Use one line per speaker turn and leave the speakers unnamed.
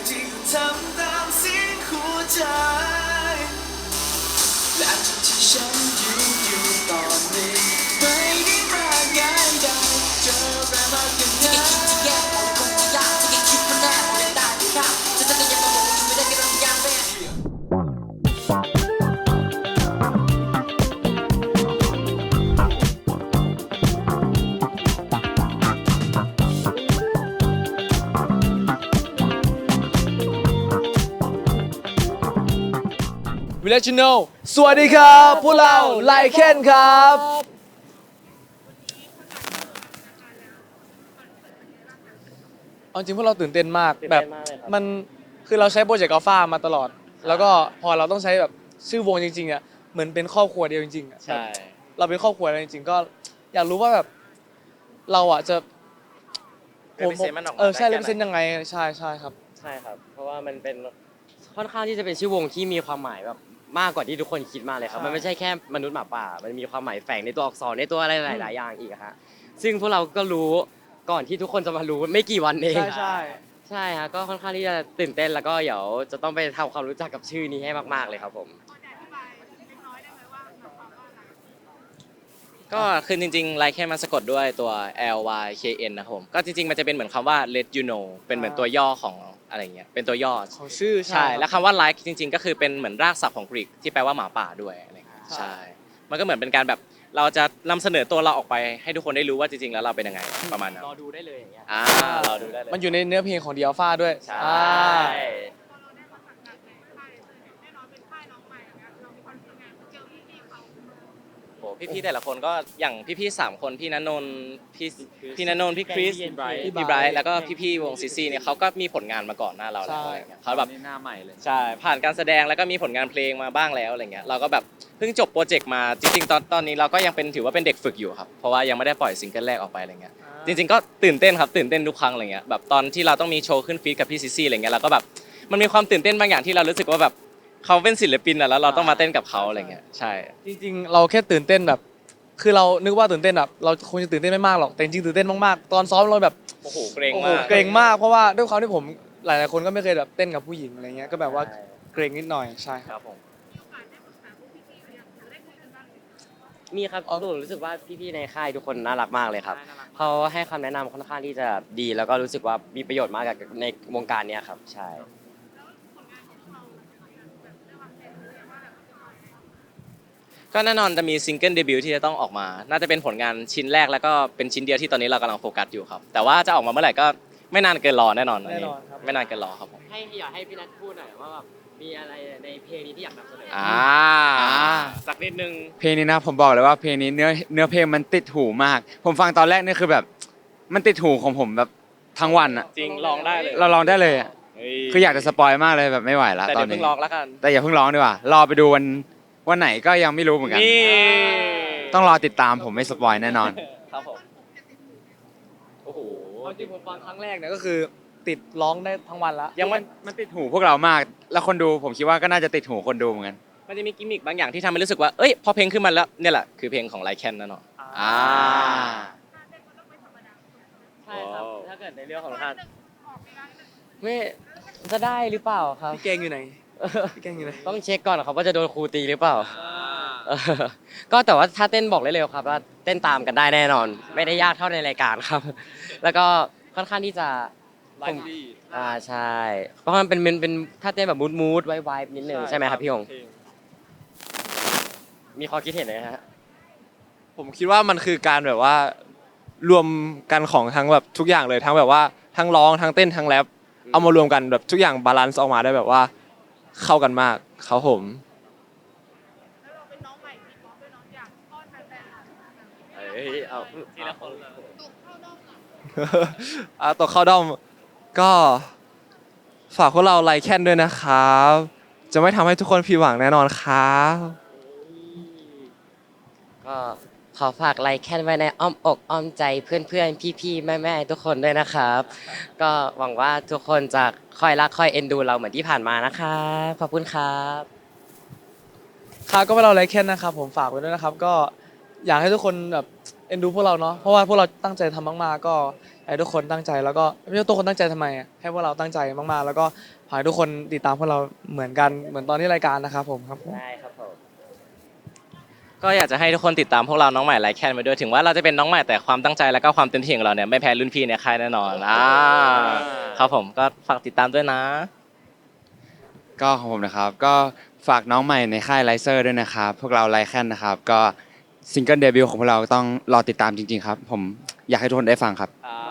ที่ทำตามเสียงหัวใจและจุดที่ฉันอยู่ตอนนี้ไม่ได้มากง่ายได้เจอแรงมากยังไงที่แย่ผมคงจะยากที่คิดมันแน่ผมยังได้ครับจะยังมาบอกไม่ได้กันยังแม่
วิลเลจโนสวัสดีครับพวกเราไลเคนครับเอาจริงพวกเราตื่นเต้นมากแบบมันคือเราใช้โปรเจกต์อัลฟามาตลอดแล้วก็พอเราต้องใช้แบบชื่อวงจริงๆอ่ะเหมือนเป็นครอบครัวเดียวจริงๆอ่ะใช่เราเป็นครอบครัวแล้วจริงๆก็อยากรู้ว่าแบบเราอ่ะจะใช่เลเปอร์เซ็นต์ยังไงใช่ครับ
ใช่ครับเพราะว่ามันเป็นค่อนข้างที่จะเป็นชื่อวงที่มีความหมายแบบมากกว่าที่ทุกคนคิดมากเลยครับมันไม่ใช่แค่มนุษย์หมาป่ามันมีความหมายแฝงในตัวอักษรในตัวอะไรหลายๆอย่างอีกฮะซึ่งพวกเราก็รู้ก่อนที่ทุกคนจะมารู้ไม่กี่วันเองใช่ฮะก็ค่อนข้างที่จะตื่นเต้นแล้วก็เดี๋ยวจะต้องไปทำความรู้จักกับชื่อนี้ให้มากๆเลยครับผม
ก็คือจริงๆไลค์แค่มันสะกดด้วยตัว L Y K N นะครับผมก็จริงๆมันจะเป็นเหมือนคำว่า let you know เป็นเหมือนตัวย่อของอะไรเงี้ยเป็นตัวย่อ
ของชื่อ
ใช่แล้วคำว่า like จริงๆก็คือเป็นเหมือนรากศัพท์ของกรีกที่แปลว่าหมาป่าด้วยอะไรเงี้ยใช่มันก็เหมือนเป็นการแบบเราจะนำเสนอตัวเราออกไปให้ทุกคนได้รู้ว่าจริงๆแล้วเราเป็นยังไงประมาณนั้น
รอดูได้เลยอย่างเงี้ย
รอดูได้เลย
มันอยู่ในเนื้อเพลงของเดียฟ้าด้วย
ใช่พี่ๆแต่ละคนก็อย่างพี่ๆ3คนพี่ณนนท์พี่ณนนท์พี่คริสพี่ไบรท์แล้วก็พี่ๆวงซีซีเนี่ยเขาก็มีผลงานมาก่อนหน้าเราแล้วอะไรเงี้ยเขาแบบ
หน้าใหม่เลย
ใช่ผ่านการแสดงแล้วก็มีผลงานเพลงมาบ้างแล้วอะไรเงี้ยเราก็แบบเพิ่งจบโปรเจกต์มาจริงๆตอนนี้เราก็ยังเป็นถือว่าเป็นเด็กฝึกอยู่ครับเพราะว่ายังไม่ได้ปล่อยซิงเกิลแรกออกไปอะไรเงี้ยจริงๆก็ตื่นเต้นครับตื่นเต้นทุกครั้งอะไรเงี้ยแบบตอนที่เราต้องมีโชว์ขึ้นฟีดกับพี่ซีซีอะไรเงี้ยเราก็แบบมันมีความตื่นเต้นบางอย่างที่เรารู้สึกว่าแบบเขาเป็นศิลปินแล้วเราต้องมาเต้นกับเขาอะไรเงี้ยใช่
จริงๆเราแค่ตื่นเต้นแบบคือเรานึกว่าตื่นเต้นแบบเราคงจะตื่นเต้นไม่มากหรอกแต่จริงๆตื่นเต้นมากๆตอนซ้อมเราแบบ
โอ้โหเกรงมาก
เกรงมากเพราะว่าด้วยความที่ผมหลายๆคนก็ไม่เคยแบบเต้นกับผู้หญิงอะไรเงี้ยก็แบบว่าเกรงนิดหน่อยใช่
ครับผม
มีครับรู้สึกว่าพี่ๆในค่ายทุกคนน่ารักมากเลยครับเขาให้คำแนะนำค่อนข้างที่จะดีแล้วก็รู้สึกว่ามีประโยชน์มากกับในวงการนี้ครับใช่
ก็แน่นอนจะมีซิงเกิลเดบิวต์ที่จะต้องออกมา น่าจะเป็นผลงานชิ้นแรกแล้วก็เป็นชิ้นเดียวที่ตอนนี้เรากำลังโฟกัสอยู่ครับ แต่ว่าจะออกมาเมื่อไหร่ก็ไม่นานเกินรอแน่นอนอันนี้ไม่นานเกินรอครับผม
อยากให้พี่นัทพูดหน่อยว่าแบบมีอะไรในเพลงนี้ที่อยากนำเสนอ
สักนิดนึง
เพลงนี้นะผมบอกเลยว่าเพลงนี้เนื้อเพลงมันติดหูมากผมฟังตอนแรกนี่คือแบบมันติดหูของผมแบบทั้งวันอะ
จริงลองได้เลย
เราลองได้เลยอะคืออยากจะสปอยมากเลยแบบไม่ไหวแล้วตอนนี้
แต่อย่าเพิ่งร้องแล้วกัน
แต่อย่าเพิ่งร้องดีกว่ารอไปดูวันไหนก็ยังไม่รู้เหมือนกันต้องรอติดตามผมไม่สปอยแน่นอน
ครับผมโอ้โห
จริงผมฟังครั้งแรกเนี่ยก็คือติดร้องได้ทั้งวันละ
ยังมันติดหูพวกเรามากแล้วคนดูผมคิดว่าก็น่าจะติดหูคนดูเหมือนกัน
มันจะมีกิมมิคบางอย่างที่ทำให้รู้สึกว่าเอ้ยพอเพลงขึ้นมาแล้วเนี่ยแหละคือเพลงของไลค์แคนนั่นเนาะ
ใช่ครับถ้าเกิดในเรื่องของท่านไม่จะได้หรือเปล่าครับ
พี่เกงอยู่ไหนพี่เกงอยู่ไหน
ต้องเช็คก่อนครับว่าจะโดนครูตีหรือเปล่าก็แต่ว่าถ้าเต้นบอกได้เลยครับว่าเต้นตามกันได้แน่นอนไม่ได้ยากเท่าในรายการครับแล้วก็ค่อนข้างที่จะใช่เพราะมันเป็นถ้าเต้นแบบมูดไวๆนิดนึงใช่ไหมครับพี่หงมีข้อคิดเห็นไหมฮะ
ผมคิดว่ามันคือการแบบว่ารวมกันของทั้งแบบทุกอย่างเลยทั้งแบบว่าทั้งร้องทั้งเต้นทั้งแรปเอามารวมกันแบบทุกอย่างบาลานซ์ออกมาได้แบบว่าเข้ากันมากครับผม
เอาทีละคนเลย
ตัวเข้าด้อมก็ฝากพวกเราไลค์แคนด้วยนะครับจะไม่ทำให้ทุกคนผิดหวังแน่นอนครับ
ก็ขอฝากไลค์แคนไว้ในอ้อมอกอ้อมใจเพื่อนๆพี่ๆแม่ๆทุกคนด้วยนะครับก็หวังว่าทุกคนจะคอยรักคอยเอ็นดูเราเหมือนที่ผ่านมานะครับขอบคุณครับ
ครับก็เป็นเราไลค์แคนนะครับผมฝากไว้ด้วยนะครับก็อยากให้ทุกคนแบบเอ็นดูพวกเราเนาะเพราะว่าพวกเราตั้งใจทำมากๆก็ให้ทุกคนตั้งใจแล้วก็ไม่ใช่ทุกคนตั้งใจทำไมอะให้พวกเราตั้งใจมากๆ แล้วก็ขอให้ทุกคนติดตามพวกเราเหมือนกันเหมือนตอนที่รายการนะครับผมครับผม
ได้ครับผม
ก็อยากจะให้ทุกคนติดตามพวกเราน้องใหม่ไลค์แคนไปด้วยถึงว่าเราจะเป็นน้องใหม่แต่ความตั้งใจแล้วก็ความเต็มที่ของเราเนี่ยไม่แพ้รุ่นพี่ในค่ายแน่นอนครับผมก็ฝากติดตามด้วยนะ
ก็ของผมนะครับก็ฝากน้องใหม่ในค่ายไลเซอร์ด้วยนะครับพวกเราไลแคนนะครับก็ซิงเกิลเดบิวต์ของพวกเราต้องรอติดตามจริงๆครับผมอยากให้ทุกคนได้ฟังครับ
ครั